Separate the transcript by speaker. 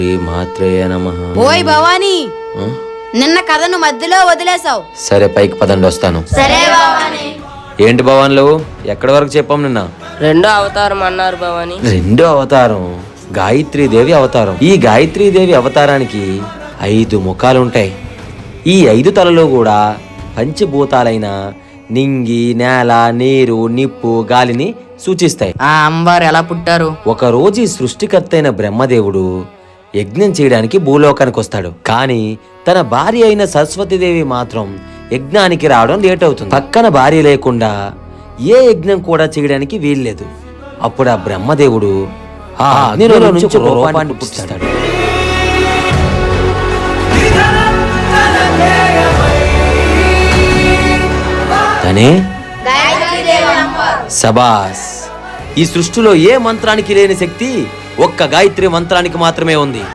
Speaker 1: మాత్రేయ నమః.
Speaker 2: ఓయ్ భవానీ, నిన్న కథను మధ్యలో వదిలేసావు.
Speaker 1: సరే పైకి పదండి, వస్తాను.
Speaker 2: సరే భవానీ.
Speaker 1: ఏంటి భవాన్లు, ఎక్కడి వరకు చెప్పాం నిన్న?
Speaker 3: రెండో అవతారం అన్నారు భవాని.
Speaker 1: రెండో అవతారం గాయత్రీదేవి అవతారం. ఈ గాయత్రీదేవి అవతారానికి 5 ముఖాలుంటాయి. ఈ 5 తలలు కూడా పంచభూతాలైన నింగి, నేల, నీరు, నిప్పు, గాలిని సూచిస్తాయి.
Speaker 3: ఆ అమ్మవారు ఎలా పుట్టారు?
Speaker 1: ఒకరోజు ఈ సృష్టికర్త అయిన బ్రహ్మదేవుడు యజ్ఞం చేయడానికి భూలోకానికి వస్తాడు. కానీ తన భార్య అయిన సరస్వతీదేవి మాత్రం యజ్ఞానికి రావడం లేట్ అవుతుంది. పక్కన భార్య లేకుండా ఏ యజ్ఞం కూడా చేయడానికి వీల్లేదు. అప్పుడు ఆ బ్రహ్మదేవుడు ఆ అగ్నిలో నుంచి ఒక రూపాన్ని పుట్టిస్తాడు. తనే సబాస్. ఈ సృష్టిలో ఏ మంత్రానికి లేని శక్తి ఒక్క గాయత్రి మంత్రానికి మాత్రమే ఉంది.